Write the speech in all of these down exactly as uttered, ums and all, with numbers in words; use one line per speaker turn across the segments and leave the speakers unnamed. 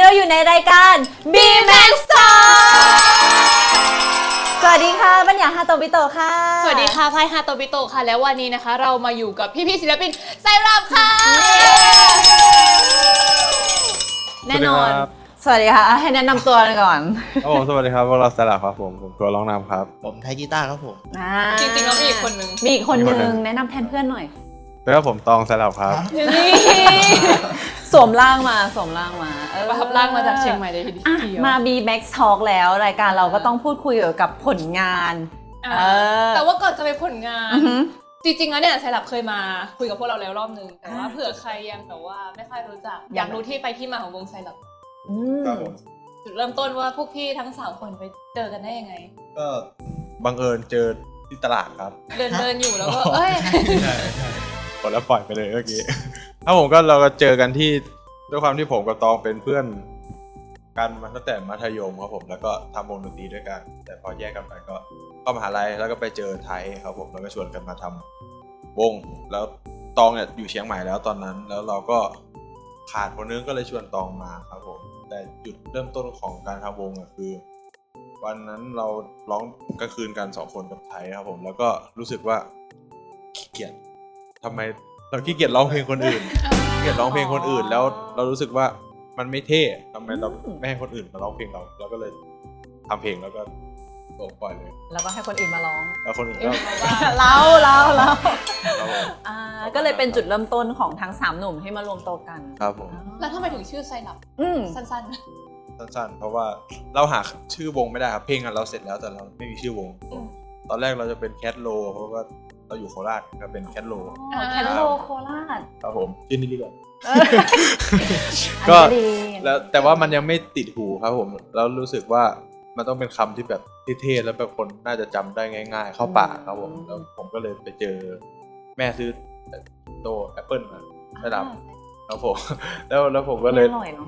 เราอยู่ในรายการ B Max Talk สวัสดีค่ะบัญญัติฮาโตบิโตะค่ะ
สวัสดีค่ะพายฮาโตบิโตะค่ะแล้ววันนี้นะคะเรามาอยู่กับพี่ๆศิลปินไซรัปค่ะแน่นอน
สวัสดีค่ะให้แนะนำตัวก่อน
โอ้สวัสดีครับพวกเราสลับครับผมผมตัวร้องนำครับ
ผมไทยกีตาร์ครับผม
จริงๆแล้วมีอีกคนนึง
มีอีกคนนึงแนะนำแทนเพื่อนหน่อย
แล้วผมตองสลับครับ
นี่สวมร่างมาสวมร่างมา
ประทับร่างมาจากเชียงใหม่เลยทีเดียว
มา B Max Talk แล้วรายการเราก็ต้องพูดคุยเกี่ยวกับผลงาน
แต่ว่าก่อนจะไปผลงานจริงๆแล้วเนี่ยไซรัปเคยมาคุยกับพวกเราแล้วรอบนึงแต่ว่าเผื่อใครยังแบบว่าไม่ค่อยรู้จักอยากรู้ที่ไปที่มาของวงไซรัปจุดเริ่มต้นว่าพวกพี่ทั้งสามคนไปเจอกันได้ยังไง
ก็บังเอิญเจอที่ตลาดครับ
เดินเดินอยู่แล้วก็เอ้ย
ใช่ใช่กดแล้วปล่อยไปเลยเมื่อกี้ถ้าผมก็เราก็เจอกันที่ด้วยความที่ผมกับตองเป็นเพื่อนกันมาตั้งแต่มัธยมครับผมแล้วก็ทำวงดนตรีด้วยกันแต่พอแยกกันไปก็เข้ามหาลัยแล้วก็ไปเจอไทยครับผมแล้วก็ชวนกันมาทำวงแล้วตองเนี่ยอยู่เชียงใหม่แล้วตอนนั้นแล้วเราก็ขาดคนนึงก็เลยชวนตองมาครับผมแต่จุดเริ่มต้นของการทำวงอ่ะคือวันนั้นเราร้องกลางคืนกันสองคนกับไทยครับผมแล้วก็รู้สึกว่าขี้เกียจทำไมเราขี้เกียจร้องเพลงคนอื่นขี้เกียจร้องเพลงคนอื่นแล้วเรารู้สึกว่ามันไม่เท่ทำไมเราไม่ให้คนอื่นมาร้องเพลงเราเราก็เลยทำเพลงแล้วก็ส่งปล่อยเลย
แล้วก็ให้คนอื่นมาร้อง
แล้วคนอื่นก็
เราเราเราอ่าก็เลยเป็นจุดเริ่มต้นของทั้งสามหนุ่มที่มารวมตัวกัน
ครับผม
แล้วทำไมถึงชื่อไซรัปสั้นๆ
สั้นๆเพราะว่าเราหาชื่อวงไม่ได้ครับเพลงเราเสร็จแล้วแต่เราไม่มีชื่อวงตอนแรกเราจะเป็นแคทโลเพราะว่าเราอยู่โคราชก็เป็นแคทโล
แคทโลโคราช
ครับผมชื่อนี้ดีกว่าก็แล้วแต่ว่ามันยังไม่ติดหูครับผมแล้วรู้สึกว่ามันต้องเป็นคำที่แบบเท่ๆแล้วแบบคนน่าจะจำได้ง่ายๆเข้าปากครับผมแล้วผมก็เลยไปเจอแม่ซื้อโตแอปเปิลมาได้รับครับผมแล้วแล้วผมก็เลย
อร่อยเนาะ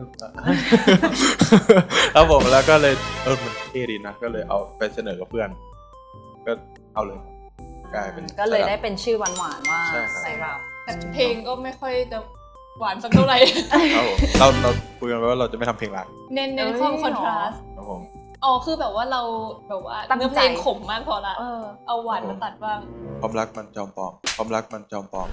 แล้วผมแล้วก็เลยเออมันเท่ดีนะก็เลยเอาไปเสนอกับเพื่อนก็เอาเลยกลายเป็น
ก็เลยได้เป็นชื่อหวานๆว่าไซรัป
แต่เพลงก็ไม่ค่อยจะหวานสักเท่าไหร่
เราเราคุยกันไว้ว่าเราจะไม่ทำเพลงรัก
เน้นเน้นความคอนทราสต์
ครับผม
อ๋อคือแบบว่าเราแบบว่าเนื้อเพลงขมมากพอละเอาหวานมาตัดบ้าง
ความรักมันจอมปลอมความรักมันจอมปลอม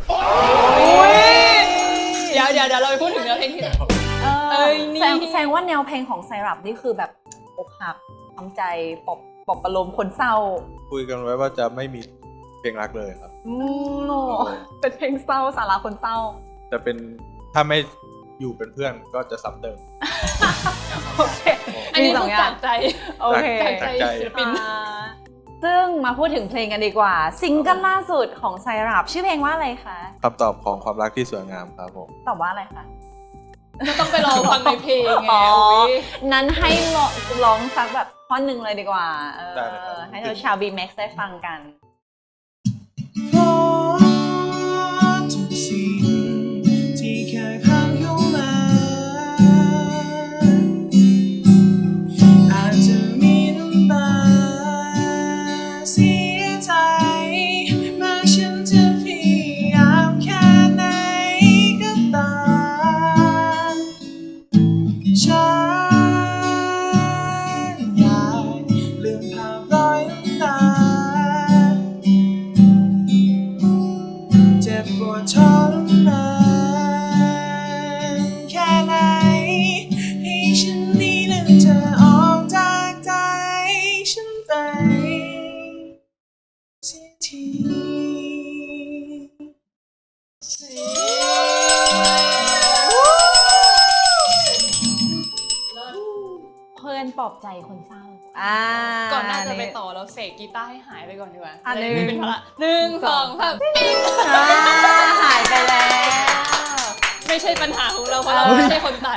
เดี๋ยวเดี๋ยวเดี๋ยวเราไปพูดถึงเนื้อเพลงที่
เอ้ยนี่แสดงว่าแนวเพลงของไซรัปนี่คือแบบอกหักทำใจปลอบปลอบประโลมคนเศร้า
คุยกันไว้ว่าจะไม่มีเพลงรักเลยครับ
อืมเป็นเพลงเศร้าสาระคนเศร้า
จะเป็นถ้าไม่อยู่เป็นเพื่อนก็จะซ้ำเติม
โอเคอันนี้ต้องจากใจ
โอเค
จากใจ
ศิลปิน
ซึ่งมาพูดถึงเพลงกันดีกว่าซิงเกิลล่าสุดของไซรัปชื่อเพลงว่าอะไรคะ
คำตอบของความรักที่สวยงามครับผม
ตอบว่าอะไรคะ
ก็ต้องไปรอฟังในเพลงไง
นั้นให้ร้องสักแบบท่อนหนึ่งเลยดีกว่าให้เราชาว B Max ได้ฟังกันปลอบใจคนเศร้า
ก่อนหน้าจะไปต่อเราเสกกีตาร์ให้หายไปก่อนดีกว่าอันนี้เป็นพละหนึ่งสองสาม
หายไปแล้ว
ไม่ใช่ปัญหาของเราเพราะเราไม่ใช่คนตัด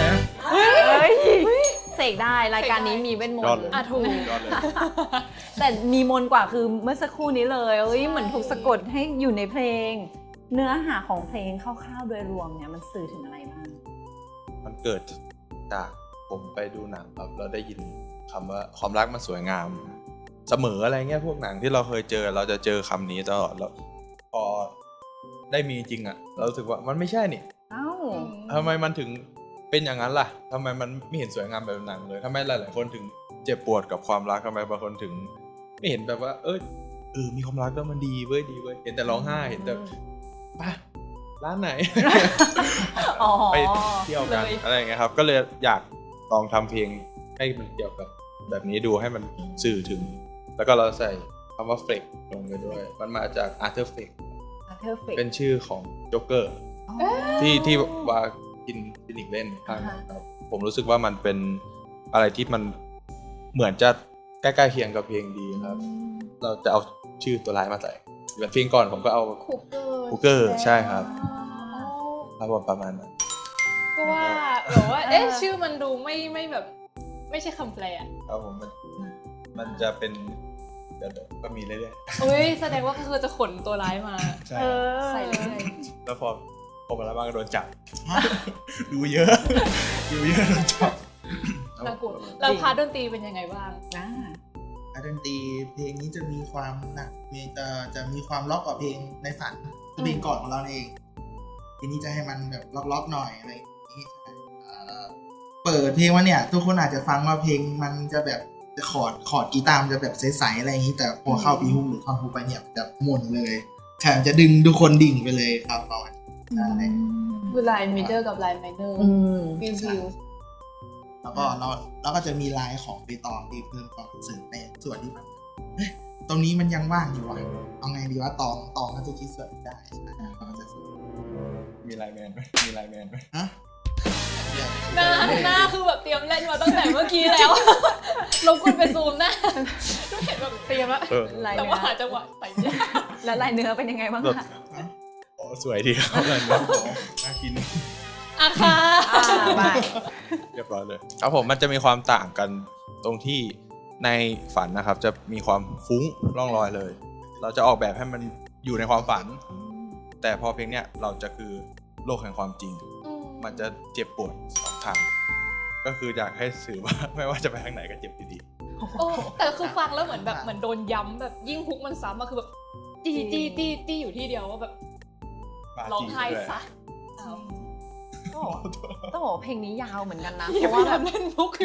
เสกได้รายการนี้มีเวทมนต์
อ่ะถูก
แต่มีมนต์กว่าคือเมื่อสักครู่นี้เลยเอ้ยเหมือนถูกสะกดให้อยู่ในเพลงเนื้อหาของเพลงคร่าวๆโดยรวมเนี่ยมันสื่อถึงอะไรบ้าง
มันเกิดจากผมไปดูหนังครับเราได้ยินคำว่าความรักมันสวยงามเสมออะไรเงี้ยพวกหนังที่เราเคยเจอเราจะเจอคำนี้ตลอดแล้วพอได้มีจริงอ่ะเรารู้สึกว่ามันไม่ใช่นี่
เอ้า
ทำไมมันถึงเป็นอย่างนั้นล่ะทำไมมันไม่เห็นสวยงามแบบหนังเลยทำไมหลายๆคนถึงเจ็บปวดกับความรักทำไมบางคนถึงไม่เห็นแบบว่าเออเออมีความรักก็มันดีเว้ยดีเว้ยเห็นแต่ร้องไห้เห็นแต่ป่ะร้านไหน
อ๋อ
ไปเที่ยวกัน
เลย
อะไรอย่างเงี้ยครับก็เลยอยากลองทำเพลงให้มันเกี่ยวกับแบบนี้ดูให้มันสื่อถึง แล้วก็เราใส่คำว่าเฟกลงไปด้วย มันมาจาก Arthur Fleck
เพอร์เฟก
เป็นชื่อของโจ๊กเกอร์ที่ที่วากินฟินิกเล่นครับผมรู้สึกว่ามันเป็นอะไรที่มันเหมือนจะใกล้ๆเคียงกับเพลงดีครับ เราจะเอาชื่อตัวร้ายมาใส่แบบเพลงก่อนผมก็เอา
คุกเกอร์
คูเกอร์ใช่ครับครับผมประมาณนั้น
ก็ว่าแบบว่าเอ๊ะชื่อมันดูไม่ไม่แบบ ไม่ใช่คำแปลอะ
ครับผมมันมันจะเป็นเดี๋ยวก็มีเรื่อย
อุ้ยแสดงว่าก็คือจะขนตัวร้ายมา
ๆใช่
เออ
ใส่เรื่อย
แล้วพอพอมาแล้วบ้างก็โดนจับ ดูเยอะ ดูเยอะโดนจับ
ๆน่ากลัวแล้วพาร์ทดนตรีเป็นยังไงบ้าง
อ่า
ดนตรีเพลงนี้จะมีความหนักมีจะจะมีความล็อกกว่าเพลงในฝันคือเพลงก่อนของเราเองทีนี้จะให้มันแบบล็อกๆหน่อยอะไรอย่างนี้เอ่อเปิดเพลงมาเนี่ย ทุกคนอาจจะฟังว่าเพลงมันจะแบบจะคอร์ดคอร์ดกีตาร์มันจะแบบใสๆอะไรอย่างนี้ แต่พอเข้าปีฮุกหรือท่อนฮุกไปเนี่ยจะหมุนเลยแถมจะดึงทุกคนดิ่งไปเลยครับประมาณนี้
คือไลน์เมเจอร์กับไลน์ไมเนอร์
อืม
วิววิว
แล้วก็เราแล้วก็จะมีลายของใบตองที่เพิ่มความรู้สึกในส่วนที่มันเฮ้ยตรงนี้มันยังว่างอยู่ว่ะเอาไงดีว่าตองตองมันจะคิดส่วนนี้ได้ใช่ไหมเราก็จะ
มีไลน์แมนไหมมีไลน์แมนไหม
ฮะ
หน้าหน้าคือแบบเตรียมเล่นมาตั้งแต่เมื่อกี้แล้ว ลงคุณไปซูมหน้าก็เห็นแบบเตรียมแล้ว
เออ
ลาย
แต่
เนื้
ว่าหา
อ
จังหวะใส่ยาก
แล้วลายเนื้อเป็นยังไงบ้าง
แบบ
คะ
อ๋อสวยดีครับอะไรนะน่ากิน
อ่ะค่ะ
อ่าบาย
เรียบร้อยเลยครับผมมันจะมีความต่างกันตรงที่ในฝันนะครับ จะมีความฟุ้งร่องรอยเลย เราจะออกแบบให้มันอยู่ในความฝัน แต่พอเพลงเนี้ยเราจะคือโลกแห่งความจริง มันจะเจ็บปวดสองทางก็คืออยากให้สื่อว่า ไม่ว่าจะไปทางไหนก็เจ็บอยู่ดี
โอ้แต่คือฟังแล้วเหมือนแบบเหมือนโดนย้ำแบบยิ่งฮุกมันซ้ำมาคือแบบจี้จี้จี้จี้อยู่ที่เดียวว่าแบบ
บ้า
ร้อง
จริง
ไห้
ด้วย
ซะอ้าว
ต้องบอกว่าเพลงนี้ยาวเหมือนกันนะ เพ
อย่า
ราะ
ไป
ว่าแบบ
ทำเล่นมุกอยู่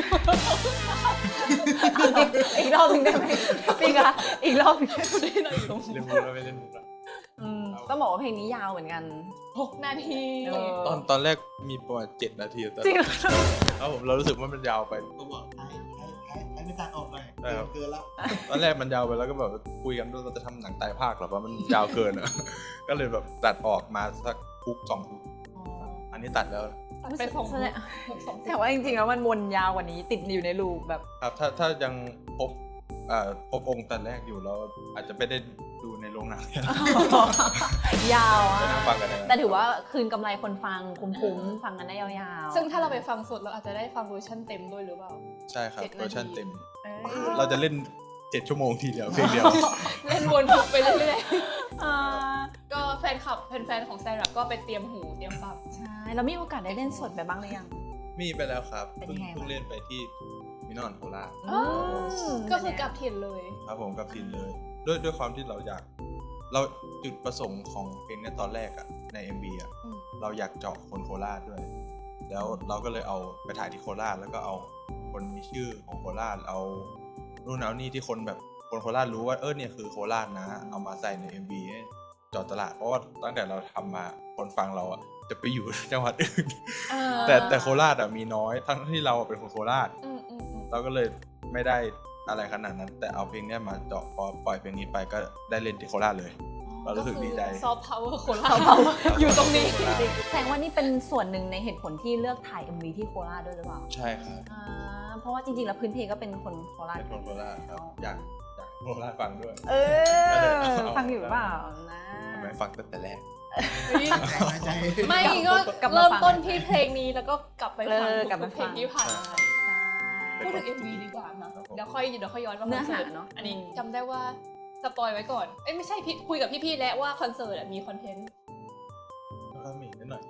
อีกรอบหนึงได้ไหมพี่คะอีกรอบหนึ่ง
ได้หน่อยอยู่ตรง
เล่นมุกแล้วไม่เล่นมุกแล้ว
อืมต้องบอกว่าเพลงนี้ยาวเหมือนกัน
หกนาที
เออ
ตอนตอนแรกมีประมาณเจ็ดนาทีแต่
จริงเหรอ
แล้วผมเรารู้สึกว่ามันยาวไป
ก็บอกให้ให้ให้ให้ไม่ตัดออกหน่อย
ได้ครับ
เกินแล้ว
ตอนแรกมันยาวไปแล้วก็แบบคุยกันว่าเราจะทำหนังไตรภาคหรอว่ามันยาวเกินอ่ะ ก็เลยแบบตัดออกมาสักคุกสองคุกอันนี้ตัดแล้ว
ตัดไปสอง
แสดง
ฮุกสอง
แต่ว่าจริงๆแล้วมันวนยาวกว่านี้ติดอยู่ในลูปแบบ
ครับถ้าถ้ายังพบอ่าพบองค์แต่แรกอยู่แล้วอาจจะไม่ได้ดูในโรงหนัง
ยาวอ่ะ
ไปนั่งฟังกันนะ
แต่ถือว่าคืนกำไรคนฟังคุ้มๆฟังกันได้ยาวๆ
ซึ่งถ้าเราไปฟังสดเราอาจจะได้ฟังเวอร์ชันเต็มด้วยหรือเปล่า
ใช่ครับ
เจ็ดนาที
เวอร์ชันเต็ม
เอ้ย
เราจะเล่นเจ็ดชั่วโมงทีเดียวเพลงเดียว
เล่นวนฮุกไปเรื่อย
อ่า
ๆ ก็แฟนคลับแฟนๆของแซนรับก็ไปเตรียมหูเตรียมฟัง
ใช่แล้วมีโอกาสได้เล่นสดไปบ้างหรือยัง
มีไปแล้วครับ
เป็น
เพิ่ง
ยังไง
เพิ่ง
บ้าง
เล่นไปที่มินอนโคราช
อ๋อ
ม
ก็คือกลับถิ่นเลย
ครับผมกับทินเลย ด้วยด้วยความที่เราอยาก เราจุดประสงค์ของเพลงเนี้ยตอนแรกอะใน เอ็ม วี อะ
อืม
เราอยากเจาะคนโคราชด้วย แล้วเราก็เลยเอาไปถ่ายที่โคราชแล้วก็เอาคนมีชื่อของโคราชเอานู่นเอานี่ที่คนแบบคนโคราชรู้ว่าเออเนี่ยคือโคราชนะ เอามาใส่ใน เอ็ม วี ให้เจาะตลาดเพราะว่าตั้งแต่เราทำมาคนฟังเราอะจะไปอยู่ จังหวัดอื่น
อ่า
แต่แต่โคราชอะมีน้อยทั้งที่เราเป็นคนโคราช
อืมอืมอืม
เราก็เลยไม่ได้อะไรขนาดนั้น แต่เอาเพลงเนี้ยมาเจาะพอปล่อยเพลงนี้ไปก็ได้เล่นที่โคราชเลย เรารู้สึกดีใจ
ซอฟต์พาวเวอร์คนเราอยู่ตรงนี้
แสดงว่านี่เป็นส่วนหนึ่งในเหตุผลที่เลือกถ่าย เอ็ม วี ที่โคราชด้วยหรือเปล่า
ใช่ครับ
อ่าเพราะว่าจริงๆแล้วพื้นเพก็เป็นคนโคราช
เป็นคนโคราชครับอยากอยากให้โคราชฟังด้วย
เอ
ก็เลย
อ
เอา
ฟังอยู่เปล่านะ
ทำไมฟังตั้งแต่แรก
ใจใจ
ไม่ก็
กลับมา
เริ่ม
ฟัง
ต้นที่เพลงนี้แล้วก็กลับไป
เอ
ฟัง
อกลับ
ทุ
มาก
ๆเพลงที่ผ่านมา
ใช่
พูดถึง เอ็ม วี ดีกว่าเนอะเดี๋ยวค่อยเดี๋ยวค่อยย้อนมา
เนื้อหา
คสิร์ต
เนอะ
อันนี้
อืม
จำได้ว่าสปอยไว้ก่อน เอ้ยไม่ใช่พี่คุยกับพี่ๆแล้วว่าคอนเสิร์ตอะมีคอนเทนต์
ก็มีนิดหน่อย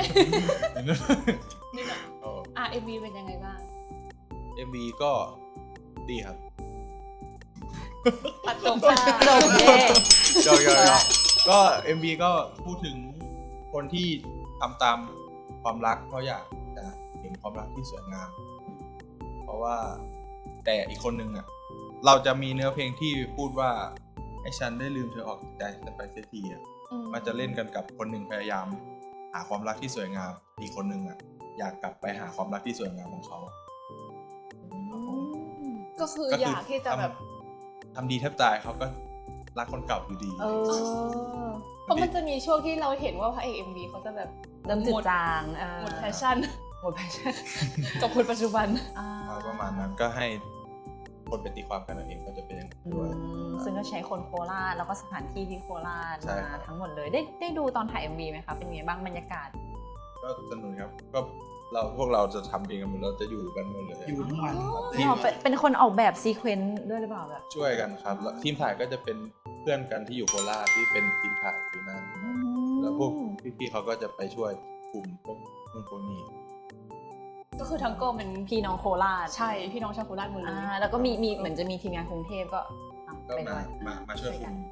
นี่หน่อย
โอ้
อ่ะ เอ็ม วี เป็นยังไงบ้าง
เอ็ม วี ก็ดีครับ
ตัดจบ
จบเย่
ยอกยอกยอกก็ เอ็ม วี ก็พูดถึงคนที่ทำตามความรักเพราะอยากจะมีรักที่สวยงาม เพราะว่าแต่อีกคนนึงอ่ะเราจะมีเนื้อเพลงที่พูดว่าให้ฉันได้ลืมเธอออกจากใจฉันไปเสียทีอ่ะมันจะเล่นกันกับคนหนึ่งพยายามหาความรักที่สวยงามอีกคนนึงอ่ะอยากกลับไปหาความรักที่สวยงามของเขา
ก็คืออยากที่จะแบบ
ทำดีแทบตายเขาก็รักคนเก่าอยู่ดี
เออ
เพราะมันจะมีช่วงที่เราเห็นว่าพระเอก เอ็ม วี เขาจะแบบ
เริ่มจืดจาง
หมดแพชชั่น
หมดแพชชั่น
กับคนปัจจุบัน
เอาประมาณนั้นก็ให้คนไปตีความกันเอาเองก็จะเป็นอย่างนั้นด้วย
ซึ่งก็ใช้คนโคราชแล้วก็สถานที่ที่โคราช
ใช่
มา
ครับ
ทั้งหมดเลยได้ได้ดูตอนถ่าย เอ็ม วี ไหมคะเป็นไงบ้างบรรยากาศ
ก็สนุกครับก็เราพวกเราจะทำเองกันหมดเราจะอยู่กันหมดเลย
อยู่ทั้งวันครับ
ทีม
อ๋อเป็นเป็นคนออกแบบซีเควนต์ด้วยหรือเปล่าแบบ
ช่วยกันครับแล้วทีมถ่ายก็จะเป็นเพื่อนกันที่อยู่โคราชที่เป็นทีมถ่ายอยู่นั่นแล้วพวกพี่ๆเขาก็จะไปช่วยกลุ่มพวกนู่นพวกนี้
ก็คือทั้งกองเป็น
พี่น้องโคราช
ใช่พี่น้องชาวโคราชหมดเลย
อ่าแล้วก็มีมีเหมือนจะมีทีมงานกรุงเทพก็เอา
ก็
ไป
มา
ด้วย
มามาช่วย
ช่วย
คุ
กั
ม
น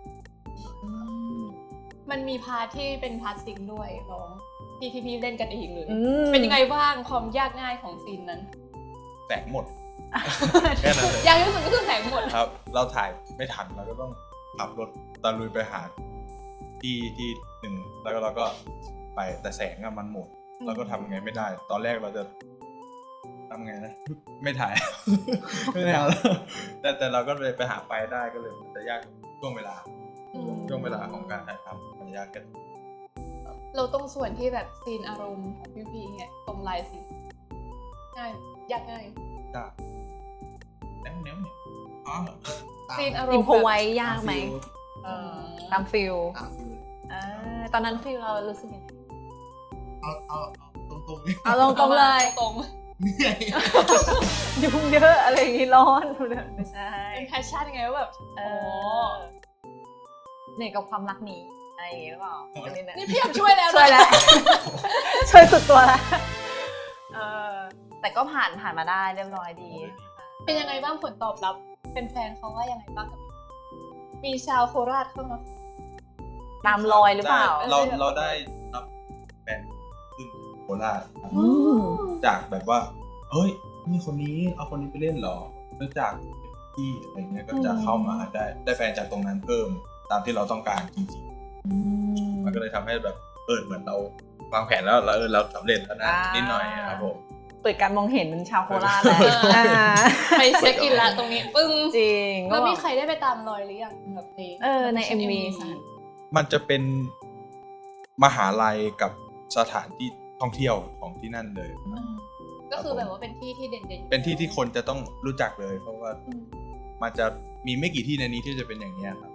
มันมีพาร์ทที่เป็นพาร์ทซิงค์ด้วยร้องที่พี่ๆเล่นกันเองเลย
อืม
เป็นยังไงบ้างความยากง่ายของซีนนั้น
แตกหมดแค่นั้นเลย
ยากที่สุดก็คือแสงหมด
ครับ เราถ่ายไม่ทันเราก็ต้องขับรถตะลุยไปหาที่ที่หนึ่งแล้วก็เราก็ไปแต่แสงอะมันหมดเราก็ทำไงไม่ได้ ตอนแรกเราจะทำไงนะไม่ถ่าย ไม่ถ่ายแล้วแต่แต่เราก็เลยไปหาไฟได้ก็เลยมันจะยากช่วงเวลา
อืม
ช่วงเวลาของการถ่ายทำมันยากกัน
เราตรงส่วนที่แบบซีนอารมณ์ของพี่พีเนี่ยตรงลายซีนง่ายยากง่าย
ยากแนวแนวเนี่ยอ๋อ
ซีนอาร
อิ
ม
ม
ณ์
โพไว้ยากไหม
เออ
ตามฟิล
ตามฟิลเลย
อ่าตอนนั้นฟิลเรารู้สึกยังไง
เอาเอาเอาตรงๆเลย
เอาตรงๆเลย
ตรง
เหนื่อย
ยุ่งเยอะอะไรอย่างงี้ร้อนไม่ใช่
เป็นแพชชั่นไงว่าแบบ
เอ
โอ้
อเหนื่อยกับความรักนี้อะไรอย่างงี้หรือเปล่าอันนี้นะ
นี่พี่อยากช่วยแล้วนะ
ช่วยแล้ว ช่วยสุดตัวแล้วเออแต่ก็ผ่านผ่านมาได้เรียบร้อยดี
เป็นยังไงบ้างผลตอบรับเป็นแฟนเขาว่ายังไงบ้างกับมีชาวโคราชเข้ามา
ตามรอยหรือเปล่า
ใช่เราเราได้รับแฟนขึ้นโคราชครับ
อืม
จากแบบว่า เฮ้ยนี่คนนี้เอาคนนี้ไปเล่นเหรอแล้วจากที่อะไรเงี้ยก็จะเข้ามาได้ได้แฟนจากตรงนั้นเพิ่มตามที่เราต้องการจริงๆมันก็เลยทำให้แบบเออเหมือนเราวางแผนแล้วเราเออเราสำเร็จแล้วนะนิดหน่อยครับผม
เปิดการมองเห็นชาวโคราชแล้วอ่า
ไปเช็คอินละตรงนี้ปึ้ง
จริง
แล้วมี
ก็
ใครได้ไปตามรอยหรือยังแบบใน
เออใน เอ็ม วี สถาน
มันจะเป็นมหาลัยกับสถานที่ท่องเที่ยวของที่นั่นเลย
ก็คือแบบว่าเป็นที่ที่เด่นๆ
เป็นที่ที่คนจะต้องรู้จักเลย เพราะว่า
อืม
มันจะมีไม่กี่ที่ในนี้ที่จะเป็นอย่างนี้ยครับ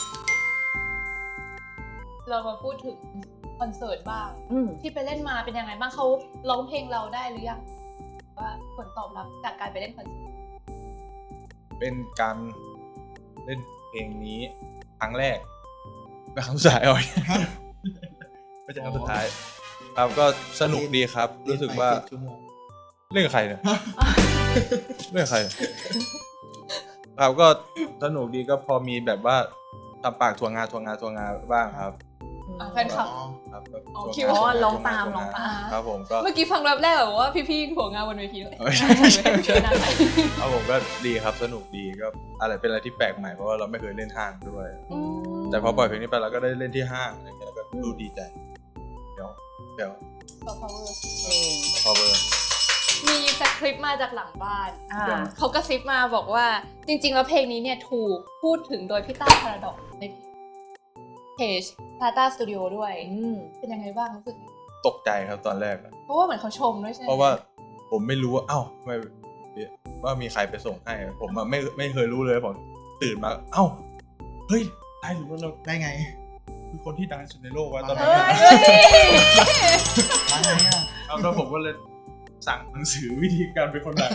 เรามาพูดถึงคอนเสิร์ตบ้าง
อืม
ที่ไปเล่นมาเป็นยังไงบ้างเขาร้องเพลงเราได้หรือยังว่าผลตอบรับจากการไปเล่นคอนเสิร์ต
เป็นการเล่นเพลงนี้ครั้งแรกเป็นครั้งสุดท้ายเอา ไม่ใช่ครั้งสุดท้ายครับก็สนุกดีครับ รู้สึกว่า
เล่นไปเจ็ดชั่วโมง
เล่นกับใครเนี่ย เล่นกับใครเนี่ยครับก็สนุกดีก็พอมีแบบว่าทำปากทวงงานทวงงานทวงงานบ้างครับ
อ่ะแฟนคลับ
อ๋อ
ครับก็
อ๋อ
ทวง
คิด
งาน
ว่า
ทวงงน
ร้องตาม
ทว
ร้องตาม
ครับผมก็
เมื่อกี้ฟังแรปแรกแบบว่าพี่ๆหัวงานบนเวทีด้วย
เอ้ยใช่ใช่ใช่
น่าไป
ครับผมก็ดีครับสนุกดีก็อะไรเป็นอะไรที่แปลกใหม่เพราะว่าเราไม่เคยเล่นห้างด้วย
อืม
แต่พอปล่อยเพลงนี้ไปเราก็ได้เล่นที่ห้างอะไรเงี้ยแล้วก็ดูดีใจเดี๋ยวเดี๋ยว
ต่อ power
เอง
พอเบอร์
มีสคริปต์มาจากหลังบ้าน
อ่า
เขากระซิบมาบอกว่าจริง ๆ แล้วเพลงนี้เนี่ยถูกพูดถึงโดยพี่ต้าพาราดอกในเพจ Tata Studio ด้วย
อืม
เป็นยังไงบ้างรู้สึกไง
ตกใจครับตอนแรกอะ
เพราะว่าเหมือนเขาชมด้วยใช่ไหม
เพราะว่าผมไม่รู้ว่าเอ้าทำไมว่ามีใครไปส่งให้ผมอะไม่ไม่เคยรู้เลยผมตื่นมาเอ้าเฮ้ยได้หรือว่าเรา
ได้ไง
คือคนที่ดังที่สุดในโลกวะตอน
เอ
นั้น
อ
อะ
เฮ้ย
ได้ไงอ่ะ
เอาแล้วผมก็เลยสั่งหนังสือวิธีการเป็นคนดัง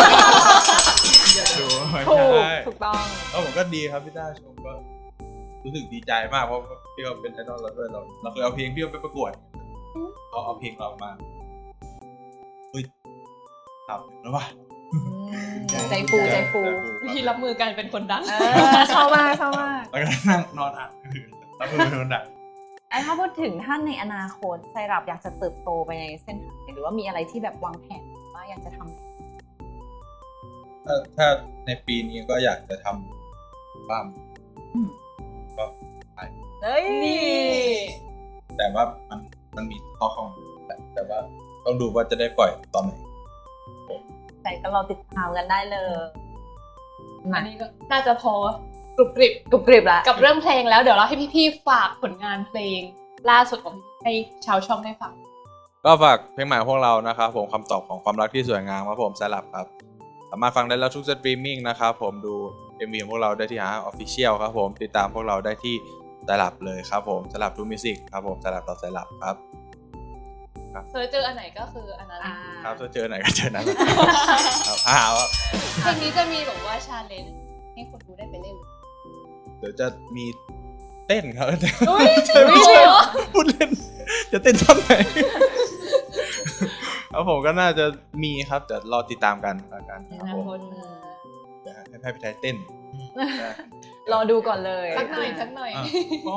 ดูไม่
ถูก
ได้
ถูกต้อง
แล้วผมก็ดีครับพี่ต้าชมก็รู้สึกดีใจมากเพราะพี่เขาเป็นไอดอลเราด้วยเราเราเคยเอาเพลงพี่เขาไปประกวดเขาเอาเพลงเรามาเฮ้ยทำถึงแล้ววะ
ใจฟูใจฟู
วิธีรับมือการเป็นคนดัง
เออชอบมากชอบมาก
แล้วก็นั่งนอนอ่านรับมือเป็นคนดัง
ไอ้ถ้าพูดถึงท่านในอนาคตไซรัปอยากจะเติบโตไปในเส้นทางไหนหรือว่ามีอะไรที่แบบวางแผนว่าอยากจะทำ
ถ้าถ้าในปีนี้ก็อยากจะทำบ้างก็
เฮ้ย
นี่
แต่ว่ามันมันมีข้อของแต่แต่ว่าต้องดูว่าจะได้ปล่อยตอนไหน
แต่ก็รอติดตามกันได้เลย
อันนี้ก็น่าจะพอกรุบกริบ
กรุบกริบละ
กับเรื่องเพลงแล้วเดี๋ยวเราให้พี่ๆฝากผลงานเพลงล่าสุดของพี่ให้ชาวช่องได้ฟัง
ก็ฝากเพลงใหม่ของพวกเรานะครับผมคำตอบของความรักที่สวยงามครับผมสลับครับสามารถฟังได้แล้วทุกสตรีมมิ่งนะครับผมดู เอ็ม วี ของพวกเราได้ที่หา Official ครับผมติดตามพวกเราได้ที่สลับเลยครับผมสลับทูมิวสิกครับผมสลับต่อสลับครับ
เจอเจออันไหนก็คืออันนั้น
อ่า
ครับถ้าเจอไหนก็เจอนั้นครับหาว่า
เพลงนี้จะมีแบบว่าชาเลนจ์ให้คนดูได้ไปเล่น
เดี๋ยวจะมีเต้นครับ
อุ้ยจริงเหรอ
พูดเล่นจะเต้นตอนไหนครับผมก็น่าจะมีครับแต่รอติดตามกันละกันครับผม เดี๋ยวให้พี่ไทยเต้น
รอดูก่อนเลย
สักหน่อยสักหน่อย
อ่ะอ๋อ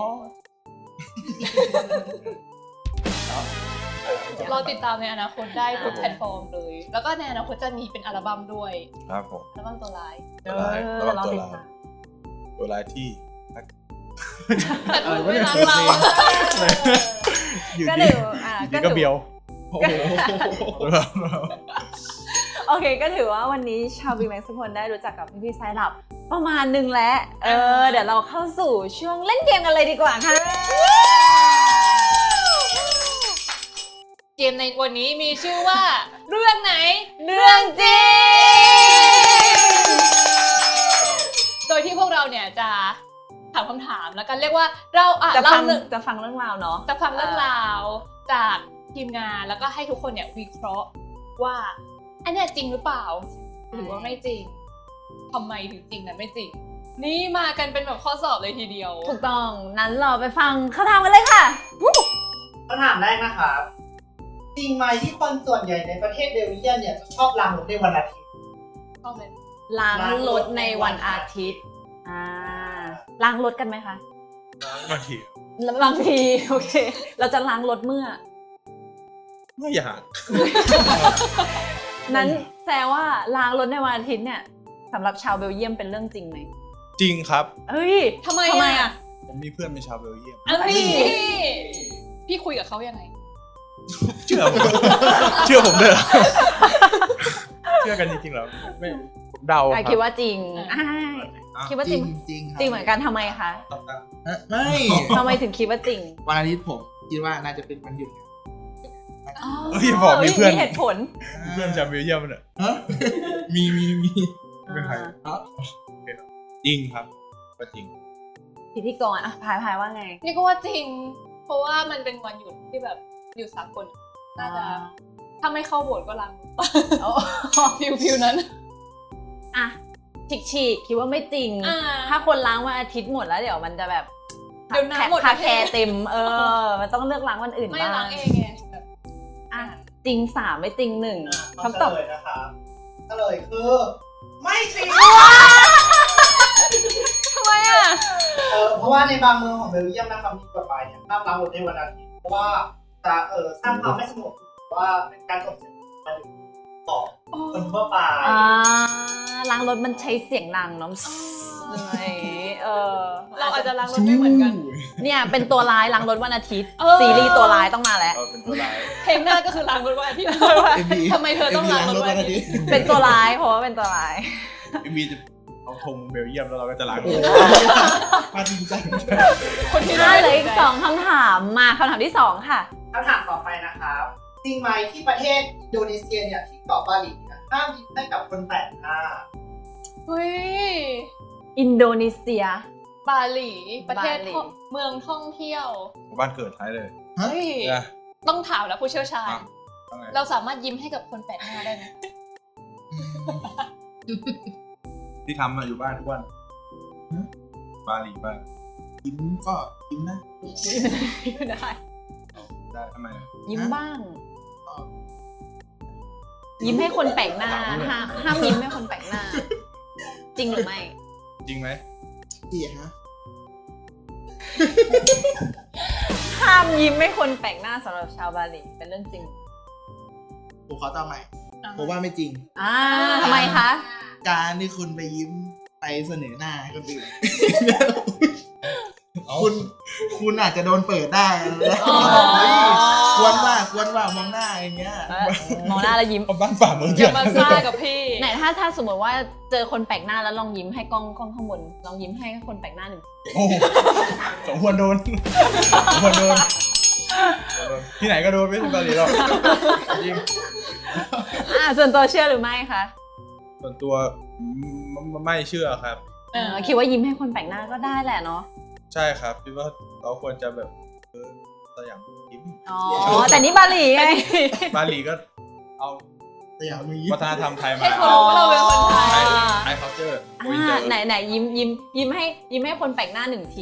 รอติดตามในอนาคตได้ทุกแพลตฟอร์มเลย แล้วก็ในอนาคตจะมีเป็นอัลบั้มด้วย
ครับผม
อัลบั้มตัวร้าย
เออ
ระวัง
รอ
ตัว
ติด
ร้าย
ตาม
ตัวร้ายที่
แต่คุณไม่รักเรา
อยู่
ก็
ดี
ถืออ่า
ดี
ก็
ก็
ถื
เบี
อ
ยวโอ้โห
โอเคก็ถือว่าวันนี้ชาวบีแม็กซ์ทุกคนได้รู้จักกับพี่ๆไซรับประมาณหนึ่งแล้วเออเดี๋ยวเราเข้าสู่ช่วงเล่นเกมกันเลยดีกว่าค่ะ
เกมในวันนี้มีชื่อว่า เรื่องไหน
เรื่องจริง
โดยที่พวกเราเนี่ยจะถามคำถามแล้วกันเรียกว่าเราอ่ะ
จะ
เล่า
ฟัง
เรื่อง
จะฟังเรื่องราวเนาะ
จะฟังเรื่องราวจากทีมงานแล้วก็ให้ทุกคนเนี่ยวิเคราะห์ว่าอันเนี้ยจริงหรือเปล่า หรือว่าไม่จริงทำไมถึงจริงและไม่จริง นี่มากันเป็นแบบข้อสอบเลยทีเดียว
ถูกต้องนั้นเราไปฟังคำถามกันเลยค่ะ
คำถามแรกนะครับจริงไหมที่คนส่วนใหญ่ในประเทศเบลเยียมเนี่ยจะชอบล้างรถในวันอาทิตย์
ชอบเลย
ล้างรถในวันอาทิตย์อ่าล้างรถกันไหมคะ
บางที
บางทีโอเค เราจะล้างรถเมื่อ
ไม่อยาก
นั้นแปลว่าล้างรถในวันอาทิตย์เนี่ยสำหรับชาวเบลเยียมเป็นเรื่องจริงไหม
จริงครับ
เฮ้ย
ทำไม
ทำไม
อ่ะ
อ่ะ
ผมมีเพื่อนเป็นชาวเบลเยียม
อันนี้พี่คุยกับเขายังไง
เชื่อผม เชื่อผมเลยเหรอเชื่อกันจริงๆเหรอไม่ผมเดาค
อ่ะ
รับ
คิดว่าจริง
อ่ะ
อ่าคิดว่าจริง
จริงครับ
จริงเหมือนกันทำไมคะ
เอ๊ะไม่
ทำไมถึงคิดว่าจริง
วันอาทิตย์ผมคิดว่าน่าจะเป็นวันหยุด
เฮ้ยบอกมีเพื่อน
มีเหตุผล
มีเพื่อนชาวเบลเยียมเนี่ย
ฮะมีมีมี
เป็นใคร
อ่า
จริงครับก็จริง
พิธีกรอ่ะพายพายว่าไง
นี่ก็ว่าจริง เพราะว่ามันเป็นวันหยุดที่แบบหยุดสากลน่าจะถ้าไม่เข้าโบสถ์ก็ล้าง
โอ้
ฟิวฟิวนั้น
อ่ะฉีกฉีกคิดว่าไม่จริง
อ่า
ถ้าคนล้างวันอาทิตย์หมดแล้วเดี๋ยวมันจะแบบ
เดี๋ยวน้ำหมด
คาแคร์เต็ม เออ มันต้องเลือกล้างวันอื่น
ไม่
บ้าง
ล้างเองไงแบบ
อ่ะจริงสามไม่จริงหนึ่ง
คำ
คำตอบ
เฉลยนะครับเฉลยคือ ไม่จริง
ทำไมอ่ะ
เออเพราะว่าในบางเมืองของเบลเยียมนะครับมีกฎหมายเนี่ยห้ามล้างรถในวันอาทิตย์เพราะว่าจะเออสร้างความไม่สงบหรือว่าเป็นการส่งเสียงต่อคนทั่วไป
อ่าล้างรถมันใช้เสียงดังเนาะอะไรเออ
เราอาจจะล้างรถไม่เหมือนกัน
เนี่ยเป็นตัวร้ายล้างรถวันอาทิตย์
เออ
ซีรีส์ตัวร้ายต้องมาแล้ว
เออเป็นตัวร้าย
เพลงหน้าก็คือล้างรถวันอาทิตย์
เอ็มบี
ทำไมเธอต้องล้างรถวันอาทิตย์
เป็นตัวร้ายเพราะว่าเป็นตัวร้าย
พี่มีจะเอาธงเบลเยียมแล้วเราก็จะล้าง
โอ้โหมาจริงจัง
คนที่
ได้เลยอีกสองคำถามมาคำถามที่สองค่ะ
คำถามต่อไปนะครับจริงไหมที่ประเทศอินโดนีเซียเนี่ยที่เกาะบาหลีเนี่ยห้ามยิ้มให้กับคนแปลกหน้า
เฮ้ย
อินโดนีเซีย
บาหลีประเทศ
บาหลี
ท่องเมืองท่องเที่ยว
บ้านเกิดท้ายเลย
เฮ้ย
นะ
ต้องถามแล้วผู้เชี่ยวชาญ
อ่ะว่าไง
เราสามารถยิ้มให้กับคนแปลกหน้าได้ไหม
ที่ทำมาอยู่บ้านทุกวันบาหลีบ้าน
ยิ้มก็ยิ้มนะ
ได้
ได้ทำไม
ยิ้ม
ฮะ
บ้าง ยิ้มให้คนแปลกหน้าห้ามห้ามยิ้มให้คนแปลกหน้า จริงหรือไม่
จริงไหม
พี่ฮะ
ห้ามยิ้มให้คนแปลกหน้าสำหรับชาวบาหลีเป็นเรื่องจริง
ผมขอตอบใหม่ผมว่าไม่จริง
อ่าทำไมคะ
การที่คุณไปยิ้มไปเสนอหน้าให้คนอื่น คุณคุณอาจจะโดนเปิดได้แล้วควรว่าควรว่ามองหน้าอย่างเงี้ย
เออมองหน้าแล้วยิ้ม
เอาบ้านป่าเมือง
อ
เถื่
ย่า
อน
มาซ่ากับพี่
ไหนถ้าถ้าสมมติว่าเจอคนแปลกหน้าแล้วลองยิ้มให้กล้องกล้องข้างบนลองยิ้มให้คนแปลกหน้าหนึ่ง
โอ้โหสมควรโดนสมควรโดนที่ไหนก็โดนไม่ใช่บาหลีหรอกจริง
อ่าส่วนตัวเชื่อหรือไม่คะ
ส่วนตัวไม่ไม่เชื่อครับ
เออคิดว่ายิ้มให้คนแปลกหน้าก็ได้แหละเนาะ
ใช่ครับคิดว่าเราควรจะแบบเออสยามยิ้ม
อ๋อแต่นี่บาหลีไง
บาหลีก็เอา
แต่อย่างมี
วัฒนธรรมไทยมา
ให้เขารู้ว่าเราเป็นคนไทย
ไทย culture
อ่าไหนไหนยิ้มยิ้มยิ้มให้ยิ้มให้คนแปลกหน้าหนึ่งที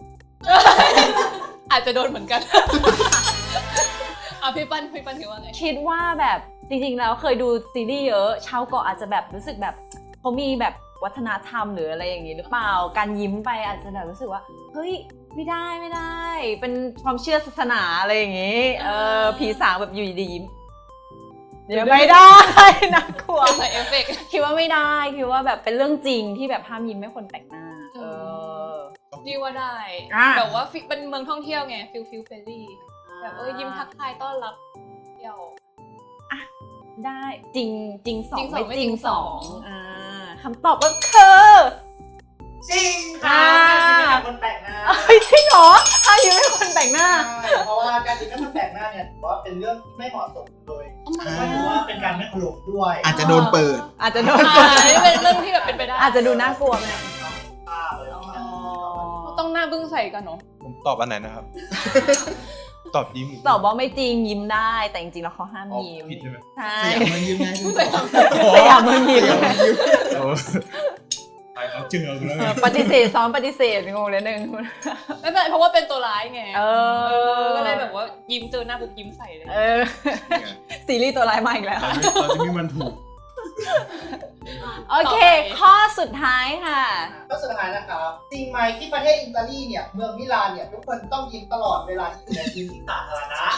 อาจจะโดนเหมือนกันอ่ะพี่ปั้นพี่ปั้นคิดว่าไง
คิดว่าแบบจริงๆแล้วเคยดูซีรีส์เยอะชาวเกาะอาจจะแบบรู้สึกแบบเขามีแบบวัฒนธรรมหรืออะไรอย่างนี้หรือเปล่าการยิ้มไปอาจจะแบบรู้สึกว่าเฮ้ยไม่ได้ไม่ได้ เป็นความเชื่อศาสนาอะไรอย่างนี้เออผีสางแบบอยู่ดีๆยิ้มเดี๋ยวไม่ได้น่ากลัว
ใส่เอฟเฟกต์
คิดว่าไม่ได้คิดว่าแบบเป็นเรื่องจริงที่แบบห้ามยิ้มให้คนแปลกหน้าเออ
ดีว่าได้
อ่ะ
แบบว่าฟิเป็นเมืองท่องเที่ยวไงฟิลฟิลเฟรนลี่แบบเออยิ้มทักทายต้อนรับเที่ยว
ได้จริงจริงสอง
จริงสอง
ไม่จริง
ไม่จริง
ส
ส
อ
อง ง
อ่าคำตอบก็คือ
จริงค่ะ
อ่า
การยิ้มให้คนแปลกหน้า
เฮ้ยจริงเหรอห้ามยิ้มให้คนแปลกหน้า
เพราะว่าการยิ้มให้คนแปลกหน้าเนี่ยถือว่าเป็นเรื่องที่ไม่เหมาะสมเลยก็ถือว่าเป็นการไม่เคารพด้วย
อาจจะโดนเปิด
อาจจะโดน
อ่าอันนี้เป็นเรื่องที่แบบเป็นไปได้
อาจจะดูน่ากลัวไหม
อ่าเลย
อ๋อ
ต้องหน้าบึ้งใส่กันเนาะ
ผมตอบอันไหนนะครับ ตอบยิ้ม
ตอบว่าไม่จริงยิ้มได้แต่จริงๆแล้วเขาห้าม
อ๋อ
ยิ้ม
ผิดใช่ไหม
ใช่
สยามมันยิ้มไงคุณตอบ
สยามเมืองยิ้ม
สยามมันยิ้ม
โอ้ใครเขาเจอกันแล้ว
เออปฏิเสธซ้อมปฏิเสธงงเลยหนึ่ง
ไม่เป็นไรเพราะว่าเป็นตัวร้ายไง
เออ
ก็เลยแบบว่ายิ้มเจอหน้าปุ๊บยิ้มใส่เลย
เออซีรีส์ตัวร้ายมาอีกแล้ว
เราจะเราจะมีมันถูก
โอเค ข้อสุดท้ายค่ะ
ก็สุดท้ายนะครับจริงไหมที่ประเทศอิตาลีเนี่ยเมืองมิลานเนี่ยทุกคนต้องยิ้มตลอดเวลาที่อยู่ในพื้นที่สาธารณะ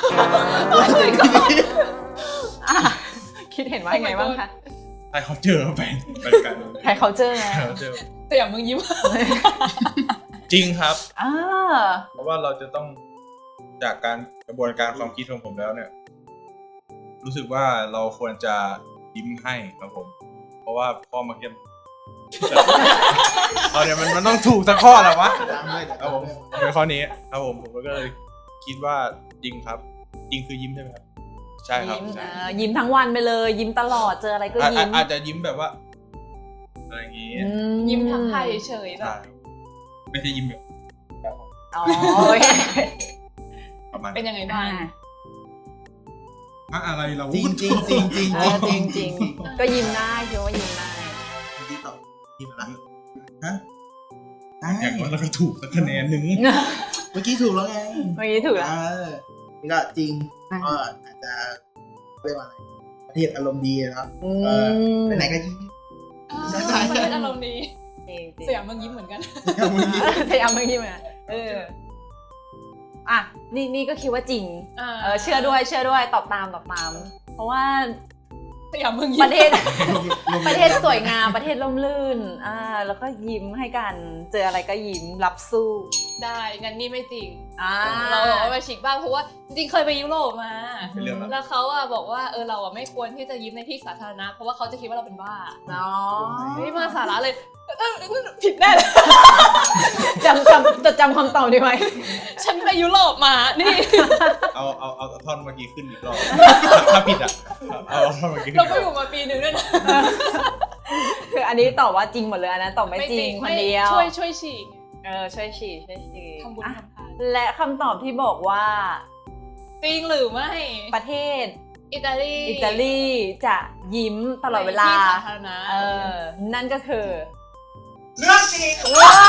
อ่ะคิดเห็นว่ายังไงบ้างคะ
ใครเขาเจอแฟนเป็นกัน
ใครเขาเจอไง
ใครเขาเจอ
แต่อย่างมึงยิ้ม
จริงครับ
อ่า
เพราะว่าเราจะต้องจากการกระบวนการความคิดของผมแล้วเนี่ย รู้สึกว่าเราควรจะยิ้มให้ครับผม เพราะว่าข้อเมื่อกี้เอาเนี่ยมันมันต้องถูกสักข้อแหละวะ
ตามด้วยเดี๋ยว
ครับผมเป็นข้อนี้ครับผมผมก็เลยคิดว่าจริงครับ จริงคือยิ้มใช่ไหมครับ ใช่ครับ
ยิ้ม
ใช่
เออยิ้มทั้งวันไปเลย ยิ้มตลอดเจออะไรก็
อา
ยิ้ม
อาจจะยิ้มแบบว่าอะไรอย่างงี้
อื
ยิ้มทักทายเฉยๆแบ
ใช่
บ
ไม่ใช่ยิ้มแบบ
อ๋อโอเค
ประมาณ
เป็นยังไงบ้าง
อะอะไรเรา
จริงจริงจริงจริง
เออจริงจริงๆก็ยิ้มได้คิดว่ายิ้มได้
จริงตอบยิ้มอะไรฮะได้
อย่างน้อยเราก็ถูกสักคะแนนหนึ่ง
เมื่อกี้ถูกแล้วไง
เมื่อกี้ถูกแล้ว
เออนี่ก็จริง
อ่ะ
ก็อาจจะเรียกว่าอะไรประเทศอารมณ์ดีนะครับ
อื
เออ
ม
ไปไหนก็ยิ้ม
ประเทศอารมณ์ดี
จริงจริง
สยามมึงยิ้มเหมือนกัน
อย่างมึงยิ้ม
พยายามเมื่อกี้มาเอออ่ะนี่นี่ก็คิดว่าจริง
อ่า
เออเชื่อด้วยเชื่อด้วยตอบตามตอบตาม เพราะว่า
สยามมึงยิ้ม
ประเทศ ประเทศสวยงามประเทศร่มรื่นอ่าแล้วก็ยิ้มให้กันเจออะไรก็ยิ้มรับสู้
ได้งั้นนี่ไม่จริง
อ่า
เราบอกว่าไปฉีกบ้างเพราะว่าจริงๆเคยไปยุโรปมา
เป็นเรื่องแล้ว
แล้วเขาอะบอกว่าเออเราอะไม่ควรที่จะยิ้มในที่สาธารณะเพราะว่าเขาจะคิดว่าเราเป็นบ้า
เนาะ
ไม่มาสาระเลยเออผิดแน่เลย
จำจำจดจำคำตอบดีไหม
ฉันไปยุโรปมานี่
เอาเอาเอาท่อนเมื่อกี้ขึ้นอีกรอบถ้าผิดอ่ะเอาเอาท่อนเมื่อกี้ขึ้น
เรา
อีก
ก็
ร
อ
อบ
ยู่มาปีหนึ่งด้วยนะ
คืออันนี้ตอบว่าจริงหมดเลยอันนั้นตอบไม่จริงคนเดียว
ช่วยช่วยฉีก
เออช่วยฉีดช่วยฉีด
ทำบุญ
อ่ะ
ทำทาน
และคำตอบที่บอกว่า
จริงหรือไม่
ประเทศ
อิตาลี
อิตาลีจะยิ้มตลอดเวลา
ในที่สาธารณะ
เออ นั่นก็คือ
เรื่องจริง
ว้า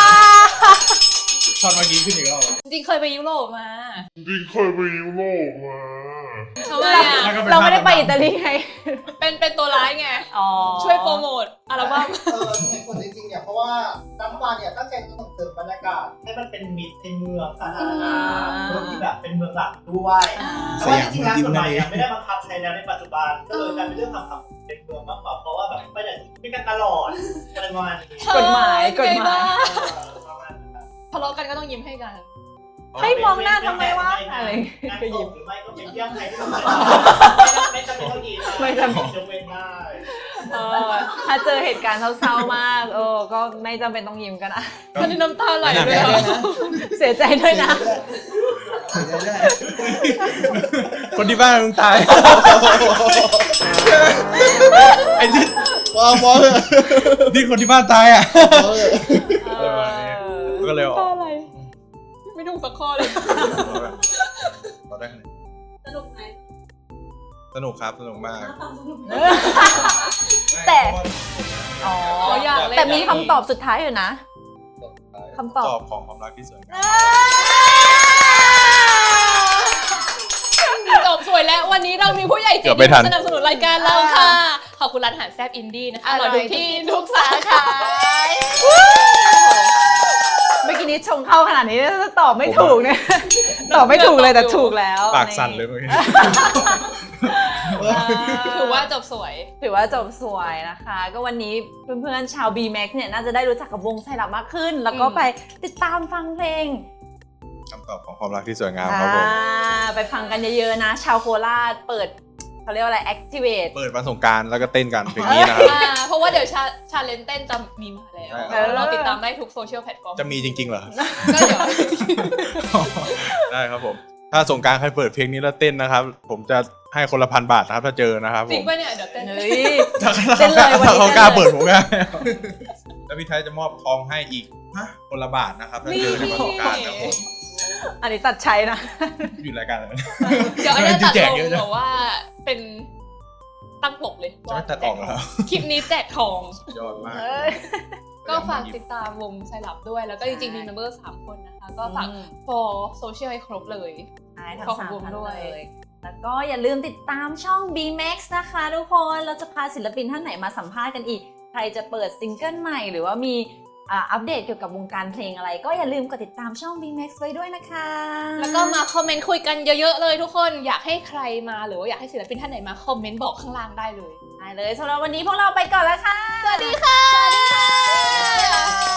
ท่อนเมื่อกี้ขึ้นอีกรอบ
จริงๆเคยไปยุโรปมา
จริงเคยไปยุโรปมา
ทำไมอ่ะ
แล้วก็ป็น
เราไม่ได้ไป
ภพ
อิตาลีไง
เป็นเป็นตัวร้ายไง
อ๋อ
ช่วยโปรโมทอัลบั้ม
เออเหตุผลจริงๆเนี่ยเพราะว่ารัฐบาลเนี่ยตั้งใจจะส่งเสริมบรรยากาศให้มันเป็นมิตรในเมืองสาธารณะเมืองที่แบบเป็นเมืองหลักด้วยแต่ว่าจริงๆแล้วกฎหมายเนี่ยไม่ได้บังคับใช้แล้วในปัจจุบันก็เลยกลายเป็นเรื่องคำถามเป็นเมืองมากกว่าเพราะว่าแบบไปไหนไม่กันตลอดอะไรประมาณนี้
กฎหมายกฎหมาย
เออประมาณนั้นครับ
ทะเลาะกันก็ต้องยิ้มให้กัน
ให้มองหน้าทำไมวะอะไร
งาน
ก็
ศ
ยิ้ม
พหรือไม่ก็เป็นเยี่ยมใครที่ทำไม่จำเป็นต้องยิ้ม
ไม่จำเป็น
ยกเว้นได้
เออถ้าเจอเหตุการณ์เศร้าๆมากเออก็ไม่จำเป็นต้องยิ้มกันนะ
ตอนนี้น้ำตาไหลเลย
เดี๋ยว
อะ
นะ
เสียใจด้วยนะ
เสียใจด้วย
คนที่บ้านมึงตายไอ้ที่
พอพอเถอะ
ที่คนที่บ้านตายอ่ะ
พอเถอะ
เออ
ก็เลยออก
น้ำตาไหลไม่ถูกสักข้อเลย
เราได้คะแนน
สนุกไหม
สนุกครับสนุกมาก
แต่ อ๋อ
อ๋ออยากเล่น
แต่มีคำตอบสุดท้ายอยู่นะ คำตอบ
ตอบของความรักที่สวยงาม
จบสวยแล้ววันนี้เรามีผู้ใหญ่ใจ
เกือบ
ดี
ไม่ทัน
สนับสนุนรายการเราค่ะ ขอบคุณร้านอาหารแซ่บอินดี้นะคะ
อร่
เรา
อย
ดูที่ทุกสาขา
เมื่อกี้นี้ชงเข้าขนาดนี้ถ้าตอบไม่ถูกเนี่ย ตอบไม่ถูกเลยแต่ถูกแล้ว
ปากสั่นเลยเมื่อกี้
ถือว่าจบสวย
ถือว่าจบสวยนะคะ ก็วันนี้เพื่อนๆชาว บี แม็กซ์ เนี่ยน่าจะได้รู้จักกับวงไซรัปมากขึ้น แล้วก็
อืม
ไปติดตามฟังเพลง
คำตอบของความรักที่สวยงามครับผม
อ่าไปฟังกันเยอะๆนะ ชาวโคราชเปิดเขาเรียกว่าอะไร activate
เปิดวันสงกรารแล้วก็เต้นกันเพลงนี้นะครับ
อ่าเพราะว่าเดี๋ยวชาชาเลนเต้นจะมีมาแล้ว
ใช่ครับ
เราติดตามได้ทุกโซเชียลแพลตฟอร์ม
จะมีจริงๆเหรอ
ก็เดี๋ยว
ได้ครับผม ถ้าสงกรารใครเปิดเพลงนี้แล้วเต้นนะครับ ผมจะให้คนละพันบาทนะครับถ้าเจอนะครับผ
จริง
ม
ป่ะเนี่ยเดี๋ยวเต้น
เฮ้ย
ถ้า
เต้นเลยวันนี้
เขากล้า
เต้นเลย
เปิดผมก็แล้วพี่ไทยจะมอบทองให้อีกคนละบาทนะครับถ้าเจอในวันสงกรารครับผม
อันนี้ตัดใช้นะ
อยู่รายการอะไร
เดี๋ยวอันนี้ตัด
แจ
ล
ก
ง
เยอะจัง
แบบว่าเป็นตั้งปกเลย
จะไม่ตัดออกเหรอ
คลิปนี้แจกทอง
ยอดมาก
ก็ฝากติดตามวงไซรัปด้วย แล้วก็จริงๆ มีเมมเบอร์สามคนนะคะ ก็ฝาก
อืม
for social ให้ครบเลย
ใช่ทั้ง
ขอบ
สาม
คุณ
ท่าน
ด้วย
เลยแล้วก็อย่าลืมติดตามช่อง บี แม็กซ์ นะคะทุกคน เราจะพาศิลปินท่านไหนมาสัมภาษณ์กันอีก ใครจะเปิดซิงเกิลใหม่ หรือว่ามีอ่าอัปเดตเกี่ยวกับวงการเพลงอะไร ก็อย่าลืมกดติดตามช่อง บี แม็กซ์ ไว้ด้วยนะคะ
แล้วก็มาคอมเมนต์คุยกันเยอะๆเลยทุกคน อยากให้ใครมาหรือว่าอยากให้ศิลปินท่านไหนมาคอมเมนต์บอกข้างล่างได้เลย
ได้เลยสำหรับวันนี้พวกเราไปก่อนแล้วค่ะ
สวัสดีค่ะ สวัสดีค่ะ